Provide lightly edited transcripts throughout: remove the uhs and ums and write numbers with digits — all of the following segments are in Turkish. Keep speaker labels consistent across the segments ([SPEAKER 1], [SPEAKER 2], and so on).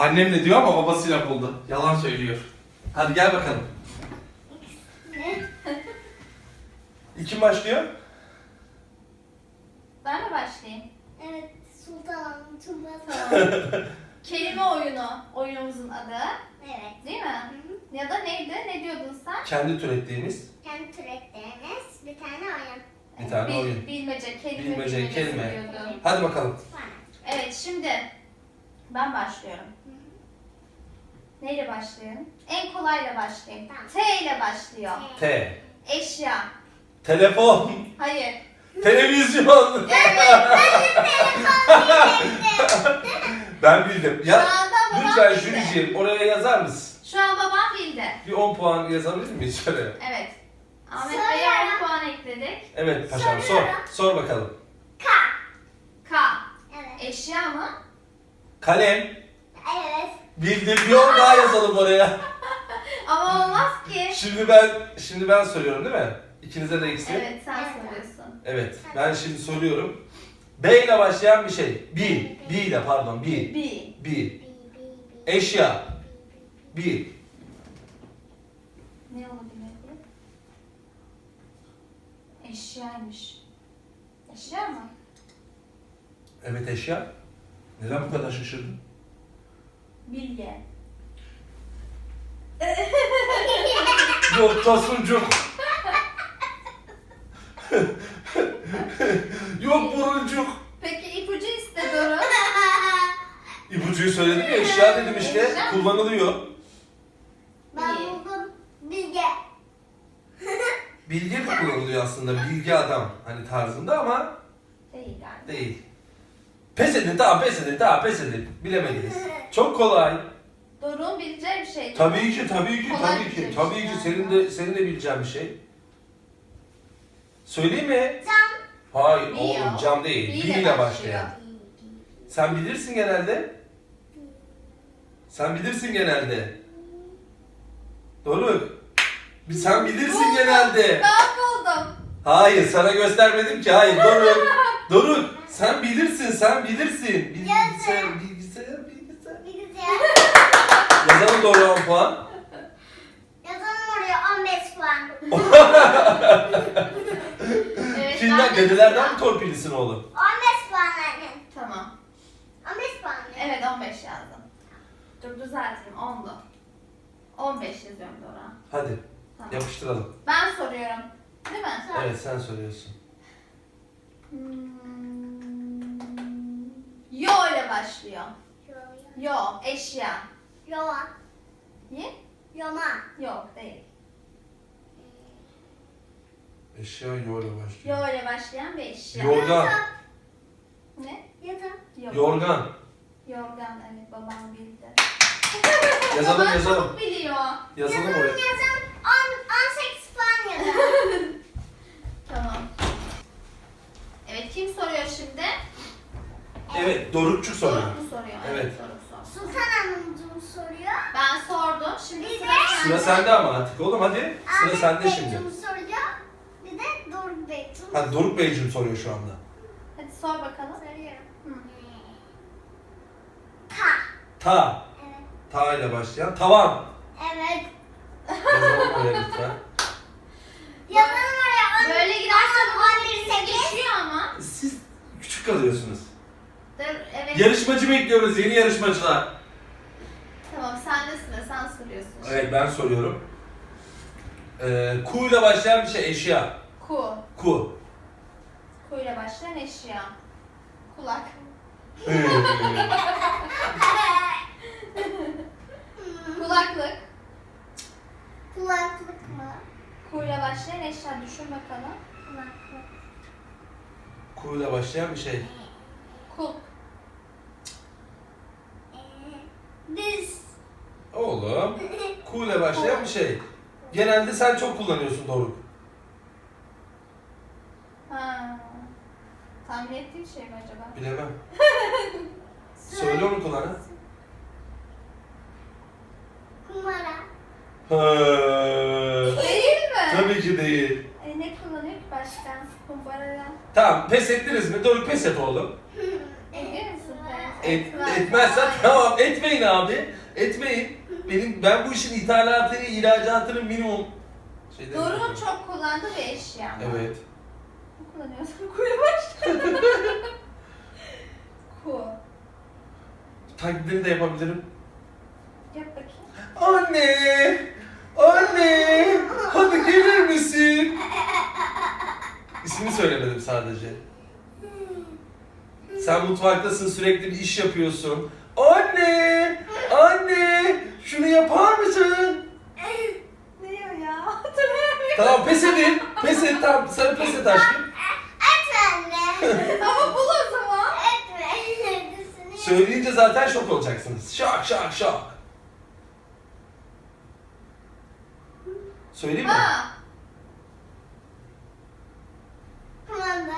[SPEAKER 1] Annemle diyor ama babasıyla buldu. Yalan söylüyor. Hadi gel bakalım. Kim başlıyor?
[SPEAKER 2] Ben mi başlayayım?
[SPEAKER 3] Evet, Sultan Tuba.
[SPEAKER 2] Tamam. Kelime oyunu. Oyunumuzun adı.
[SPEAKER 3] Evet.
[SPEAKER 2] Değil mi?
[SPEAKER 3] Hı.
[SPEAKER 2] Ya da neydi? Ne diyordun sen?
[SPEAKER 1] Kendi türettiğimiz
[SPEAKER 3] Kendi türetleriniz bir tane oyun.
[SPEAKER 1] bir tane oyun.
[SPEAKER 2] Bilmece, kelime
[SPEAKER 1] Bilmece,
[SPEAKER 2] bilmecesi
[SPEAKER 1] kelime.
[SPEAKER 2] diyordun.
[SPEAKER 1] Hadi bakalım.
[SPEAKER 3] Var.
[SPEAKER 2] Evet, şimdi ben başlıyorum.
[SPEAKER 3] Hı hı.
[SPEAKER 2] Neyle başlayalım? En kolayla başlayayım.
[SPEAKER 3] Tamam.
[SPEAKER 2] T ile başlıyor.
[SPEAKER 1] T.
[SPEAKER 2] Eşya.
[SPEAKER 1] Telefon.
[SPEAKER 2] Hayır.
[SPEAKER 1] Televizyon. Ben bildim.
[SPEAKER 2] Şu
[SPEAKER 1] Ya
[SPEAKER 2] anda babam
[SPEAKER 1] lütfen
[SPEAKER 2] bildi.
[SPEAKER 1] Jüliciğim oraya yazar mısın?
[SPEAKER 2] Şu an babam bildi.
[SPEAKER 1] Bir 10 puan yazabilir miyiz şöyle?
[SPEAKER 2] Evet. Ahmet
[SPEAKER 3] Soruyorum.
[SPEAKER 2] Bey'e 10 puan ekledik.
[SPEAKER 1] Evet paşam sor.
[SPEAKER 3] Soruyorum.
[SPEAKER 1] Sor bakalım.
[SPEAKER 3] K.
[SPEAKER 2] K.
[SPEAKER 3] Evet.
[SPEAKER 2] Eşya mı?
[SPEAKER 1] Kalem.
[SPEAKER 3] Evet.
[SPEAKER 1] Bildim. Bir 10 daha yazalım oraya.
[SPEAKER 2] Ama olmaz ki.
[SPEAKER 1] Şimdi ben soruyorum değil mi? İkinize de eksi.
[SPEAKER 2] Evet, sen
[SPEAKER 3] Evet.
[SPEAKER 2] soruyorsun.
[SPEAKER 1] Evet. Ben şimdi soruyorum. B ile başlayan bir şey. B ile pardon. B.
[SPEAKER 2] B.
[SPEAKER 3] Bi.
[SPEAKER 1] Eşya. B.
[SPEAKER 2] Ne olabilir? Eşyaymış. Eşya mı?
[SPEAKER 1] Evet eşya. Neden bu kadar şaşırdın?
[SPEAKER 2] Bilye.
[SPEAKER 1] Yok Tosuncuk. Yok Buruncuk.
[SPEAKER 2] Peki ipucu iste Doruk.
[SPEAKER 1] İpucuyu söyledim ya eşya dedim işte.
[SPEAKER 2] Eşya.
[SPEAKER 1] Kullanılıyor.
[SPEAKER 3] Ben
[SPEAKER 2] İyi.
[SPEAKER 3] buldum. Bilge.
[SPEAKER 1] Bilge de kullanılıyor aslında. Bilge adam. Hani tarzında ama
[SPEAKER 2] Değil galiba.
[SPEAKER 1] değil. Pes edin tamam pes edin tamam pes edin. Bilemediniz. Çok kolay.
[SPEAKER 2] Doruk'un bileceği bir şey.
[SPEAKER 1] Tabii ki tabii ki
[SPEAKER 2] Kolay
[SPEAKER 1] tabii ki.
[SPEAKER 2] bilmiş
[SPEAKER 1] Tabii ki
[SPEAKER 2] yani.
[SPEAKER 1] senin de bileceğin bir şey. Söyleyeyim mi?
[SPEAKER 3] Cam.
[SPEAKER 1] Hayır
[SPEAKER 2] Bi
[SPEAKER 1] oğlum
[SPEAKER 2] o.
[SPEAKER 1] cam değil.
[SPEAKER 2] Bi
[SPEAKER 1] Bi
[SPEAKER 2] ile
[SPEAKER 1] ile
[SPEAKER 2] başlıyor.
[SPEAKER 1] başlayan. Sen bilirsin genelde. Sen bilirsin genelde. Doğru. Sen bilirsin
[SPEAKER 2] Buldum.
[SPEAKER 1] genelde.
[SPEAKER 2] Ben buldum.
[SPEAKER 1] Hayır sana göstermedim ki. Hayır Doruk. Doruk sen bilirsin sen bilirsin. Bilgisayar.
[SPEAKER 3] Bilgisayar.
[SPEAKER 1] Yazalım doğru 10 puan.
[SPEAKER 3] Yazalım oraya 15 puan.
[SPEAKER 2] Evet,
[SPEAKER 1] Kimden?
[SPEAKER 2] ben de
[SPEAKER 1] Dedelerden
[SPEAKER 2] sıra.
[SPEAKER 1] mi torpilisin oğlum?
[SPEAKER 3] 15 puan anne.
[SPEAKER 2] Tamam.
[SPEAKER 3] 15 puan.
[SPEAKER 2] Evet 15 yazdım. Dur düzelteyim 10'du. 15 yazıyorum Doruk'a.
[SPEAKER 1] Hadi
[SPEAKER 2] Tamam.
[SPEAKER 1] yapıştıralım.
[SPEAKER 2] Ben soruyorum. Değil mi?
[SPEAKER 1] Evet sen soruyorsun.
[SPEAKER 2] Yo ile başlıyor. Yo, eşya.
[SPEAKER 3] Yova.
[SPEAKER 2] Ye?
[SPEAKER 3] Yoma.
[SPEAKER 2] Yok değil.
[SPEAKER 1] Eşya yoğurla başlıyor.
[SPEAKER 2] Yo ile başlayan bir eşya.
[SPEAKER 1] Yorgan.
[SPEAKER 2] Ne?
[SPEAKER 3] Yatak.
[SPEAKER 2] Yok.
[SPEAKER 1] Yorgan.
[SPEAKER 2] Yorgan evet babam bildi.
[SPEAKER 1] Yazalım
[SPEAKER 2] Babam
[SPEAKER 1] yazalım.
[SPEAKER 2] çok biliyor.
[SPEAKER 1] Yazalım
[SPEAKER 3] Yazalım
[SPEAKER 1] oraya.
[SPEAKER 3] yazalım. 18 puan yazalım.
[SPEAKER 2] Tamam. Evet kim soruyor şimdi?
[SPEAKER 1] Evet Dorukçuk soruyor.
[SPEAKER 2] Doruk mu soruyor?
[SPEAKER 1] Evet.
[SPEAKER 2] Doruk sor.
[SPEAKER 3] Sultan Hanımcığım soruyor.
[SPEAKER 2] Ben sordum. Şimdi
[SPEAKER 3] Bir
[SPEAKER 2] sıra
[SPEAKER 3] de-
[SPEAKER 2] sende.
[SPEAKER 1] Sıra sende ama artık oğlum hadi. Sıra
[SPEAKER 3] Ahmet
[SPEAKER 1] sende
[SPEAKER 3] Beyciğim
[SPEAKER 1] şimdi.
[SPEAKER 3] soruyor. Bir de Doruk Beyciğim.
[SPEAKER 1] Hadi Doruk Beyciğim soruyor şu anda.
[SPEAKER 2] Hadi sor bakalım.
[SPEAKER 3] Soruyorum.
[SPEAKER 2] Hı.
[SPEAKER 3] Ta.
[SPEAKER 1] Ta.
[SPEAKER 3] Evet.
[SPEAKER 1] Ta ile başlayan tavan.
[SPEAKER 3] Evet.
[SPEAKER 1] Yazalım oraya lütfen.
[SPEAKER 3] Yazalım oraya.
[SPEAKER 2] Böyle giderse bu
[SPEAKER 3] 11
[SPEAKER 2] 11 geçiyor ama.
[SPEAKER 1] Siz küçük kalıyorsunuz.
[SPEAKER 2] Dur, evet.
[SPEAKER 1] Yarışmacı bekliyoruz yeni yarışmacılar.
[SPEAKER 2] Tamam sende sıra sen soruyorsun.
[SPEAKER 1] Evet ben soruyorum. Ku ile başlayan bir şey eşya.
[SPEAKER 2] Ku.
[SPEAKER 1] Ku.
[SPEAKER 2] Ku ile başlayan eşya. Kulak. Kulaklık.
[SPEAKER 3] Kulaklık mı?
[SPEAKER 2] Ku ile başlayan eşya düşün bakalım.
[SPEAKER 3] Kulaklık.
[SPEAKER 1] Ku ile başlayan bir şey.
[SPEAKER 2] Kul.
[SPEAKER 3] Diz.
[SPEAKER 1] Oğlum. Ku ile başlayan bir şey. Genelde sen çok kullanıyorsun Doruk.
[SPEAKER 2] Ha. Tahmin ettiğin şey mi acaba?
[SPEAKER 1] Bilemem. Söyle onu kulağına.
[SPEAKER 3] Kumara.
[SPEAKER 2] Değil mi?
[SPEAKER 1] Tabii ki değil.
[SPEAKER 2] Ne kullanıyor ki başka? Kumbaradan.
[SPEAKER 1] Tamam pes ettiniz mi? Doruk pes et oğlum.
[SPEAKER 2] Ediyor musun pes?
[SPEAKER 1] Etmezsen tamam, etmeyin abi. Etmeyin. Ben bu işin ithalatını, ihracatını minimum şeyden
[SPEAKER 2] Doruk'un
[SPEAKER 1] yapıyorum.
[SPEAKER 2] çok kullandığı bir eşya mı?
[SPEAKER 1] Evet.
[SPEAKER 2] Ne kullanıyorsun? Kuyla başla. Ku.
[SPEAKER 1] Taklidini de yapabilirim.
[SPEAKER 2] Yap bakayım.
[SPEAKER 1] Anne! Anne! Hadi gelir misin? İsmini söylemedim sadece. Sen mutfaktasın, sürekli bir iş yapıyorsun. Anne! Anne! Şunu yapar mısın?
[SPEAKER 2] Ne diyor ya? Hatırlayamıyorum.
[SPEAKER 1] Tamam, pes edin. Pes et, tamam. Sana pes et aşkım.
[SPEAKER 3] Etme anne.
[SPEAKER 2] Ama bul o zaman.
[SPEAKER 3] Etme. Neredesin?
[SPEAKER 1] Söyleyince zaten şok olacaksınız. Şok, şok, şok. Söyleyeyim mi?
[SPEAKER 2] Ha.
[SPEAKER 3] Kumanda.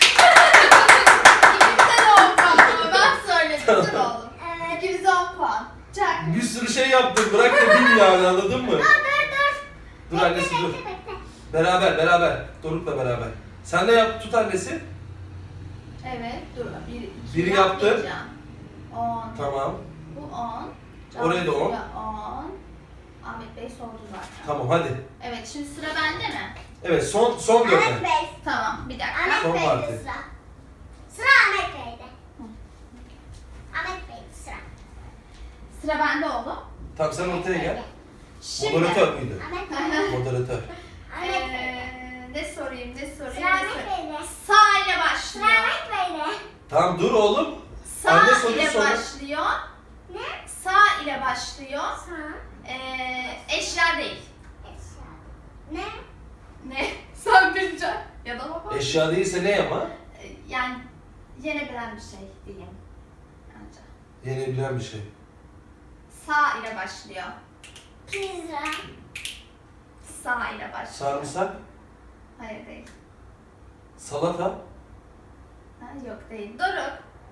[SPEAKER 2] İkimize de 10 puan ama ben söyledim.
[SPEAKER 1] Tamam.
[SPEAKER 2] Dur oğlum.
[SPEAKER 3] Evet.
[SPEAKER 2] İkimize 10 puan. Çak.
[SPEAKER 1] Bir sürü şey yaptım. Bırak da bil yani, anladın mı?
[SPEAKER 3] Dur.
[SPEAKER 1] Dur annesi dur.
[SPEAKER 3] Bekle.
[SPEAKER 1] Beraber. Doruk'la beraber. Sen de yap, tut annesi.
[SPEAKER 2] Evet. Dur.
[SPEAKER 1] Biri yaptı.
[SPEAKER 2] 10.
[SPEAKER 1] Tamam.
[SPEAKER 2] Bu 10.
[SPEAKER 1] Oraya da 10.
[SPEAKER 2] 10. Ahmet Bey sordu zaten.
[SPEAKER 1] Tamam hadi.
[SPEAKER 2] Evet, şimdi sıra bende mi?
[SPEAKER 1] Evet, son dörde.
[SPEAKER 3] Ahmet Bey.
[SPEAKER 2] Tamam, bir dakika.
[SPEAKER 3] Ahmet
[SPEAKER 1] Son
[SPEAKER 3] Bey'de
[SPEAKER 1] parti.
[SPEAKER 3] sıra. Sıra Ahmet Bey'de. Ahmet Bey'de sıra.
[SPEAKER 2] Sıra bende oğlum.
[SPEAKER 1] Tamam, sen ortaya gel.
[SPEAKER 2] Şimdi.
[SPEAKER 1] Moderatör müydü?
[SPEAKER 3] Ahmet Bey.
[SPEAKER 1] Moderatör.
[SPEAKER 3] Ahmet Bey.
[SPEAKER 2] Ne sorayım?
[SPEAKER 3] Sıra
[SPEAKER 2] Ne
[SPEAKER 3] Ahmet
[SPEAKER 2] sorayım?
[SPEAKER 3] Bey'de.
[SPEAKER 2] Sağ ile
[SPEAKER 3] Sıra
[SPEAKER 2] başlıyor.
[SPEAKER 3] Ahmet Bey'de.
[SPEAKER 1] Tamam dur oğlum.
[SPEAKER 2] Sağ
[SPEAKER 1] Anne soruyu
[SPEAKER 2] ile
[SPEAKER 1] sor.
[SPEAKER 2] başlıyor.
[SPEAKER 3] Ne?
[SPEAKER 2] Sağ ile başlıyor.
[SPEAKER 3] Sağ.
[SPEAKER 2] Eşya değil.
[SPEAKER 3] Eşya. Ne?
[SPEAKER 2] Ne? Sen bileceksin. Ya da baba.
[SPEAKER 1] Eşya değilse ne ama?
[SPEAKER 2] Yani yenebilen bir şey diyeyim. Bence.
[SPEAKER 1] Yenebilen bir şey.
[SPEAKER 2] Sağ ile başlıyor.
[SPEAKER 3] Pizza.
[SPEAKER 2] Sağ ile başlıyor.
[SPEAKER 1] Sarımsak,
[SPEAKER 2] Hayır değil.
[SPEAKER 1] salata,
[SPEAKER 2] Ha, yok değil. Doruk.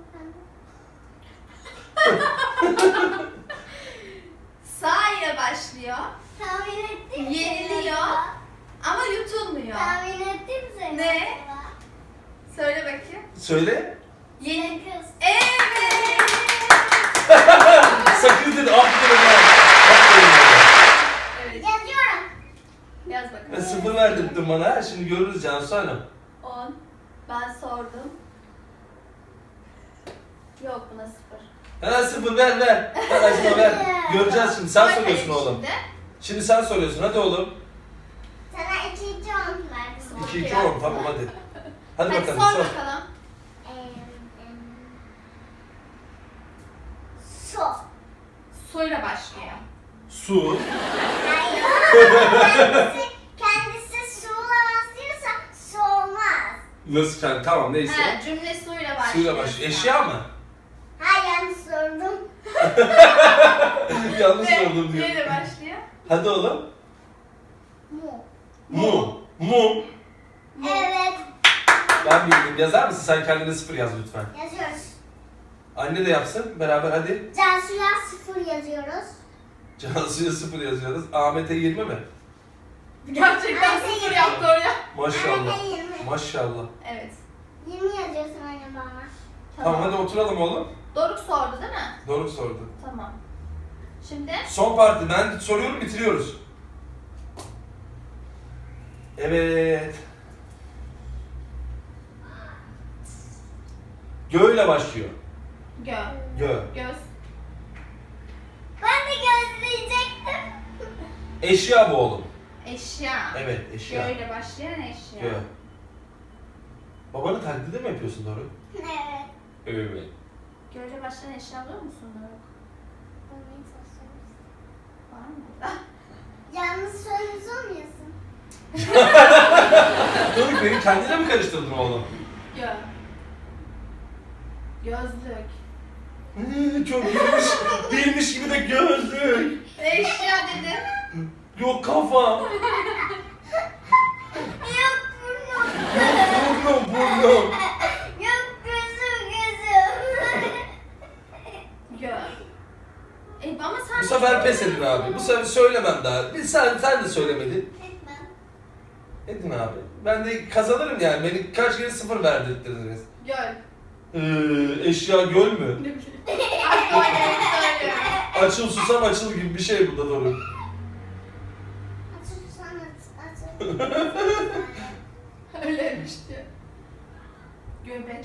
[SPEAKER 2] Sağ ile başlıyor.
[SPEAKER 3] Tahmin ettim.
[SPEAKER 2] Yeniliyor. Ama yutulmuyor.
[SPEAKER 3] Tahmin ettim seni.
[SPEAKER 2] Ne? Söyle bakayım.
[SPEAKER 1] söyle.
[SPEAKER 2] Yeni.
[SPEAKER 3] Kız.
[SPEAKER 2] Evet.
[SPEAKER 1] Sakın dedi, aferin ya. Aferin ya.
[SPEAKER 2] Evet.
[SPEAKER 3] Yazıyorum.
[SPEAKER 2] Yaz
[SPEAKER 1] Ben
[SPEAKER 2] bakalım.
[SPEAKER 1] 0 verdirttin bana. Şimdi görürüz Cansu Hanım.
[SPEAKER 2] 10. Ben sordum. Yok buna 0.
[SPEAKER 1] Ha 0 ver. Ver Acma ver. Göreceğiz şimdi. Sen
[SPEAKER 2] Hadi
[SPEAKER 1] soruyorsun oğlum.
[SPEAKER 2] şimdi.
[SPEAKER 1] Şimdi sen soruyorsun. Hadi oğlum.
[SPEAKER 3] Sana 2 verdim.
[SPEAKER 1] 2-2 10 tamam hadi. Hadi
[SPEAKER 2] Hadi
[SPEAKER 1] bakalım
[SPEAKER 2] sor
[SPEAKER 1] sor.
[SPEAKER 2] bakalım.
[SPEAKER 3] Su.
[SPEAKER 2] Suyla başlıyor.
[SPEAKER 1] Su.
[SPEAKER 3] Hayır. kendisi suyla başlıyorsa su olmaz.
[SPEAKER 1] Nasıl sen? Tamam neyse.
[SPEAKER 2] Ha, cümle suyla başlıyor.
[SPEAKER 1] Suyla başlıyor. Eşya mı?
[SPEAKER 3] Ha yanlış sordum.
[SPEAKER 1] Yanlış sordum diyor.
[SPEAKER 2] Neyle başlıyor?
[SPEAKER 1] Hadi oğlum.
[SPEAKER 3] Mu.
[SPEAKER 1] Mum.
[SPEAKER 3] Evet.
[SPEAKER 1] Ben bildim. Yazar mısın? Sen kendine 0 yaz lütfen.
[SPEAKER 3] Yazıyoruz.
[SPEAKER 1] Anne de yapsın. Beraber hadi.
[SPEAKER 3] Cansu'ya 0 yazıyoruz.
[SPEAKER 1] Cansu'ya 0 yazıyoruz. Ahmet'e 20 mi?
[SPEAKER 2] Gerçekten
[SPEAKER 3] Ay,
[SPEAKER 2] 0 yaptı oraya.
[SPEAKER 1] Maşallah.
[SPEAKER 3] Ahmet'e 20.
[SPEAKER 1] Maşallah.
[SPEAKER 2] Evet.
[SPEAKER 3] 20 yazıyorsun anne bana.
[SPEAKER 1] Tamam hadi oturalım oğlum.
[SPEAKER 2] Doruk sordu değil mi?
[SPEAKER 1] Doğru sordu.
[SPEAKER 2] Tamam. Şimdi
[SPEAKER 1] Son parti. Ben soruyorum, bitiriyoruz. Evet. Gö ile başlıyor.
[SPEAKER 2] gö.
[SPEAKER 1] Gö.
[SPEAKER 2] Göz.
[SPEAKER 3] Ben de gözleyecektim.
[SPEAKER 1] Eşya bu oğlum.
[SPEAKER 2] Eşya.
[SPEAKER 1] Evet,
[SPEAKER 2] Gö
[SPEAKER 1] eşya.
[SPEAKER 2] ile başlayan eşya.
[SPEAKER 1] Gö. Babanı taklidi mi yapıyorsun Doruk?
[SPEAKER 3] Evet.
[SPEAKER 1] Evet.
[SPEAKER 2] Gö ile başlayan eşya biliyor musun Doruk? Var mı?
[SPEAKER 3] Yalnız söylemiş olmuyorsun.
[SPEAKER 1] Doruk beni kendine mi karıştırdın oğlum?
[SPEAKER 2] Gö. Gözlük.
[SPEAKER 1] Çok bilmiş gibi de gözlük.
[SPEAKER 2] Eşya dedim.
[SPEAKER 1] Yok kafa.
[SPEAKER 3] Yok burnum.
[SPEAKER 1] Burnum.
[SPEAKER 3] Yok gözüm.
[SPEAKER 2] Gö. Ama sen...
[SPEAKER 1] Bu sefer pes edin abi. Bu sefer söylemem daha. Sen de söylemedin.
[SPEAKER 3] Etmem.
[SPEAKER 1] Edin abi. Ben de kazanırım yani. Beni kaç kere 0 verdirttiniz.
[SPEAKER 2] Göl.
[SPEAKER 1] Eşya göl mü?
[SPEAKER 2] Ne bileyim. Aklıma geleni söylüyorum.
[SPEAKER 1] Açıl susam açıl gibi bir şey bu da Doruk.
[SPEAKER 3] Açıl.
[SPEAKER 2] Öyleymiş diyor. Göbek.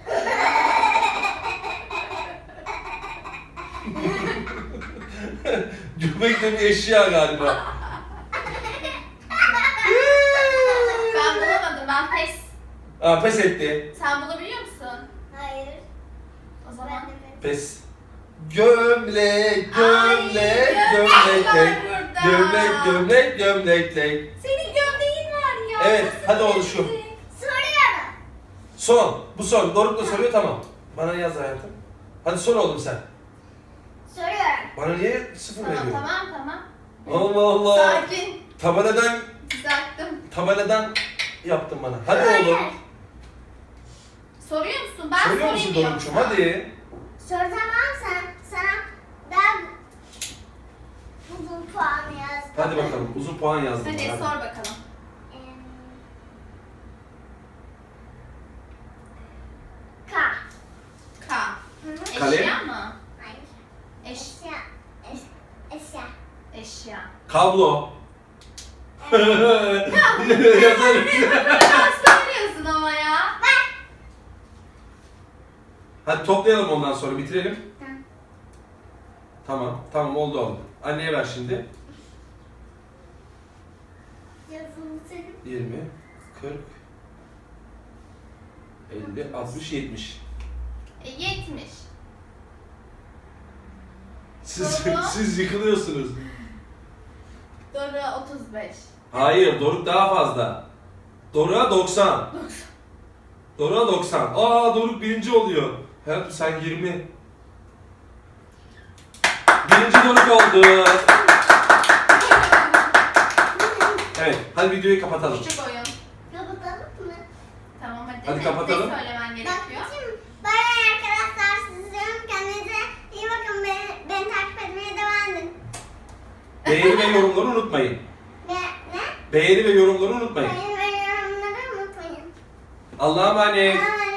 [SPEAKER 1] Göbek de bir eşya galiba.
[SPEAKER 2] Ben bulamadım. Ben pes.
[SPEAKER 1] Aa, pes etti.
[SPEAKER 2] Sen bulabiliyor musun?
[SPEAKER 3] Hayır.
[SPEAKER 2] O zaman.
[SPEAKER 3] Ben de
[SPEAKER 1] Pes. Gömlek, gömlek,
[SPEAKER 2] Ay,
[SPEAKER 1] gömlek,
[SPEAKER 2] var burada.
[SPEAKER 1] gömlek, gömlek, gömlek.
[SPEAKER 2] Senin gömleğin var ya.
[SPEAKER 1] Evet,
[SPEAKER 2] Nasıl
[SPEAKER 1] hadi oğlum
[SPEAKER 2] gömlek?
[SPEAKER 1] şu.
[SPEAKER 3] soruyorum.
[SPEAKER 1] Son. Bu son. Doruk da soruyor, tamam. Bana yaz hayatım. Hadi sor oğlum sen.
[SPEAKER 3] Soruyorum.
[SPEAKER 1] Bana niye sıfır
[SPEAKER 2] Tamam
[SPEAKER 1] veriyorsun?
[SPEAKER 2] tamam.
[SPEAKER 1] Allah Allah.
[SPEAKER 2] Sakin.
[SPEAKER 1] Tabeladan
[SPEAKER 2] Düzelttim.
[SPEAKER 1] yaptın bana. Hadi oğlum.
[SPEAKER 2] Soruyor musun? Ben
[SPEAKER 1] Soruyor musun
[SPEAKER 2] sorayım
[SPEAKER 1] Doruk'cum?
[SPEAKER 2] yoksa.
[SPEAKER 1] Hadi.
[SPEAKER 3] Sana ben uzun puan yazdım.
[SPEAKER 1] Hadi bakalım. Uzun puan yazdım.
[SPEAKER 2] Hadi
[SPEAKER 1] Hadi.
[SPEAKER 2] sor bakalım.
[SPEAKER 3] K.
[SPEAKER 2] K.
[SPEAKER 3] Hı hı.
[SPEAKER 1] Kalem.
[SPEAKER 2] Eşya mı?
[SPEAKER 3] Hayır.
[SPEAKER 2] Eşya.
[SPEAKER 3] Eşya.
[SPEAKER 2] Eşya.
[SPEAKER 1] Kablo. Yazarım.
[SPEAKER 2] Sen söylüyorsun ama ya.
[SPEAKER 1] Hadi toplayalım ondan sonra bitirelim.
[SPEAKER 3] Tamam.
[SPEAKER 1] Tamam. Tamam oldu oğlum. Anneye ver şimdi.
[SPEAKER 3] Yazılı senin.
[SPEAKER 1] 20, 40, 50, 60, 70.
[SPEAKER 2] 70.
[SPEAKER 1] Siz,
[SPEAKER 2] Doğru.
[SPEAKER 1] siz yıkılıyorsunuz.
[SPEAKER 2] Doğru 35.
[SPEAKER 1] Hayır, Doruk daha fazla. Doruk'a 90.
[SPEAKER 2] 90.
[SPEAKER 1] Doruk'a 90. Aa, Doruk birinci oluyor. Hayatım sen 20. Birinci Doruk oldu. Evet, hadi videoyu kapatalım.
[SPEAKER 2] Küçük oyun.
[SPEAKER 3] Kapatalım mı?
[SPEAKER 2] Tamam hadi.
[SPEAKER 1] Hadi kapatalım.
[SPEAKER 2] Ne söylemen gerekiyor?
[SPEAKER 3] Bye arkadaşlar, sizin kendinize iyi bakın. Beni takip etmeye devam edin.
[SPEAKER 1] Beğeni ve yorumları unutmayın.
[SPEAKER 3] Ne?
[SPEAKER 1] Beğeni ve yorumları unutmayın.
[SPEAKER 3] Beğeni ve yorumları unutmayın.
[SPEAKER 1] Allah'a emanet.
[SPEAKER 3] Bye.